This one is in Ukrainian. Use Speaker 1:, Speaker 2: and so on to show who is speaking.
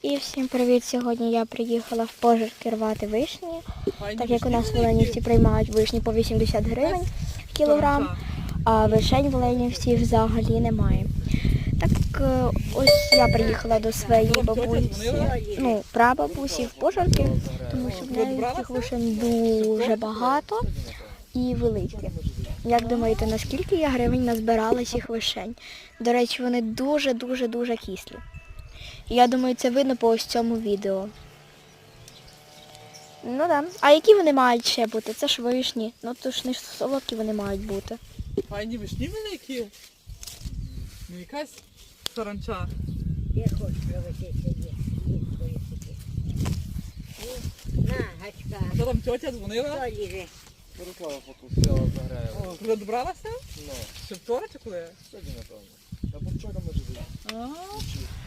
Speaker 1: І всім привіт! Сьогодні я приїхала в Пожарки рвати вишні, так як у нас в Оленівці приймають вишні по 80 гривень кілограм, а вишень в Оленівці взагалі немає. Так ось я приїхала до своєї бабусі, прабабусі в Пожарки, тому що в неї цих вишень дуже багато і великі. Як думаєте, наскільки я гривень назбирала цих вишень? До речі, вони дуже кислі. Я думаю, це видно по ось цьому відео. Ну так. А які вони мають ще бути? Це ж вишні. Ну то ж не солодкі вони мають бути.
Speaker 2: Файні вишні великі. Не якась саранча.
Speaker 3: Я хочу провести на, гачка.
Speaker 2: А що там тьотя дзвонила?
Speaker 3: Що ліже?
Speaker 4: Переклала фото, стояла заграє.
Speaker 2: О, коли добралася?
Speaker 4: Ну,
Speaker 2: Ще вчора чи коли?
Speaker 4: сьогодні, напевно. Або вчора може бути.